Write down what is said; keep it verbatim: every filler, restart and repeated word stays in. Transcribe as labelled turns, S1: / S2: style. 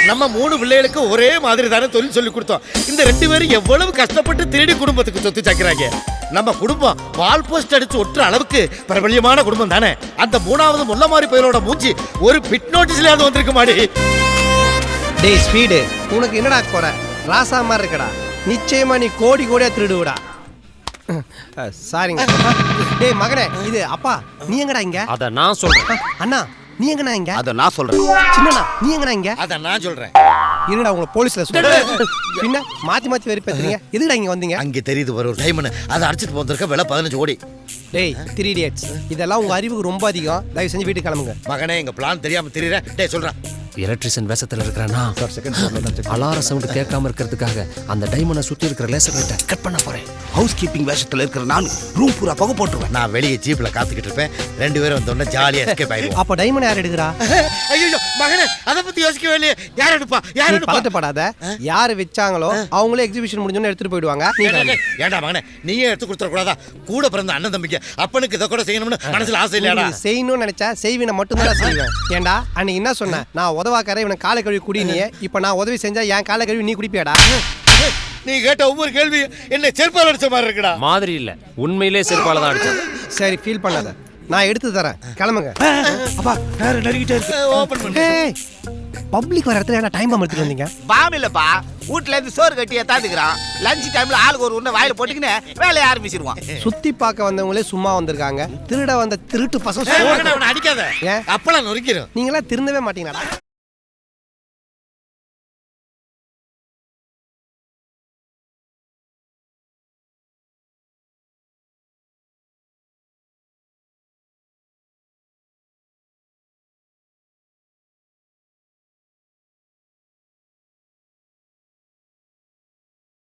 S1: நம்ம மூணு பிள்ளைகளுக்கு ஒரே மாதிரி தானே தொழில் சொல்லி கொடுத்தோம். இந்த ரெண்டு பேரும் எவ்வளவு கஷ்டப்பட்டு திருடி குடும்பத்துக்கு சொத்து சாக்கிறாங்க. நம்ம குடும்பம் வால் போஸ்ட் அடிச்சு ஒட்டுற அளவுக்கு பிரபல்யமான குடும்பம் தானே. அந்த மூணாவது முல்ல மாதிரி பயிரோட மூஞ்சி ஒரு பிட் நோட்டீஸ்லயாவது வந்திருக்க மாடி.
S2: டேய் ஸ்பீடு, உனக்கு என்னடா குறை? ராசா மாதிரி இருக்கடா. நிச்சயமா நீ கோடி கோடியா திருடுவடா. சாரிங்க. டேய் மகனே, இது அப்பா நீ எங்கடா இங்க?
S3: அத நான் சொல்றேன்.
S2: அண்ணா நீ எங்கடா இங்க?
S4: அத நான் சொல்றேன்.
S2: சின்னண்ணா நீ எங்கடா இங்க?
S1: அத நான் சொல்றேன்.
S2: இருடா உங்களை போலீஸ்ல சொல்றேன். பின்ன மாத்தி மாத்தி வெறுப்பேத்துறீங்க. எதுக்குடா இங்க வந்தீங்க?
S1: அங்க தெரியுது வர ஒரு டைமண்ட். அதை அடிச்சிட்டு போந்திருக்க விலை பதினஞ்சு கோடி.
S2: டேய் த்ரீ இடியட்ஸ், இதெல்லாம் உங்க அறிவுக்கு ரொம்ப அதிகம். தயவு செஞ்சு வீட்டுக்கு கிளம்புங்க.
S1: மகனே எங்க பிளான் தெரியாம தெரியற. டேய் சொல்றேன்.
S3: எலக்ட்ரிஷியன் வேஷத்துல இருக்கிறானா? அலாரம் சவுண்ட் கேட்காம இருக்கிறதுக்காக அந்த டைமண்டை சுத்தி இருக்கிற லேசர் லைட்டை கட் பண்ண போறேன்.
S4: ஹவுஸ் கீப்பிங் வேஷத்துல இருக்கிற நான் ரூம் பூரா புகை போட்டுருவேன்.
S1: நான் வெளியே ஜீப்ல காத்துக்கிட்டு இருப்பேன். ரெண்டு பேரும் வந்தோடனே ஜாலியா எஸ்கேப் ஆயிடுவோம்.
S2: அப்ப டைமண்ட் யார் எடுக்கிறா?
S1: ஐயோ மகனே, அத பத்தி யோசிக்கவே இல்லையே. யார் எடுப்பா? யார் எடுப்பா?
S2: பதட்டப்படாத. யாரு வச்சாங்களோ அவங்களே எக்ஸிபிஷன் முடிஞ்சோன்னு எடுத்துட்டு போயிடுவாங்க. நீ
S1: ஏண்டா மகனே, நீயே எடுத்து கொடுத்துட கூடாதா? கூட பிறந்த அண்ணன் தம்பிக்கு அப்பனுக்கு இதை கூட செய்யணும்னு மனசுல ஆசை இல்லையாடா?
S2: செய்யணும்னு நினைச்சா செய்வினை மட்டும் தான் செய்வேன். ஏண்டா அன்னைக்கு என்ன சொன்ன? நான் உதவாக்கார இவனை காலை கழுவி குடி. நீ இப்ப நான் உதவி செஞ்சா என் காலை கழுவி நீ குடிப்பியாடா?
S1: நீ கேட்ட ஒவ்வொரு கேள்வி என்ன செருப்பால் அடிச்ச மாதிரி இருக்குடா.
S3: மாதிரி இல்ல, உண்மையிலே செருப்பால தான் அடிச்சேன்.
S2: சரி ஃபீல் பண்ணாத, நான் எடுத்து தரேன். கிளம்புங்க.
S4: அப்பா நேரா நடிக்கிட்டே இருக்கு.
S1: ஓபன் பண்ணு.
S2: பப்ளிக் வர இடத்துல என்ன டைம் பாம் எடுத்துட்டு வந்தீங்க?
S4: பாம் இல்லப்பா, வீட்ல இருந்து சோறு கட்டி ஏத்தாந்துக்கிறான். லஞ்ச் டைம்ல ஆளுக்கு ஒரு உன்ன வாயில போட்டுக்கினே வேலையை ஆரம்பிச்சிருவான்.
S2: சுத்தி பார்க்க வந்தவங்களே சும்மா வந்திருக்காங்க. திருட வந்த திருட்டு பசங்க
S1: மகனே அவனை அடிக்காத.
S2: ஏன்?
S1: அப்பலாம் நொறுக்கிரும்.
S2: நீங்களா திருந்தவே மாட்டீங்களாடா?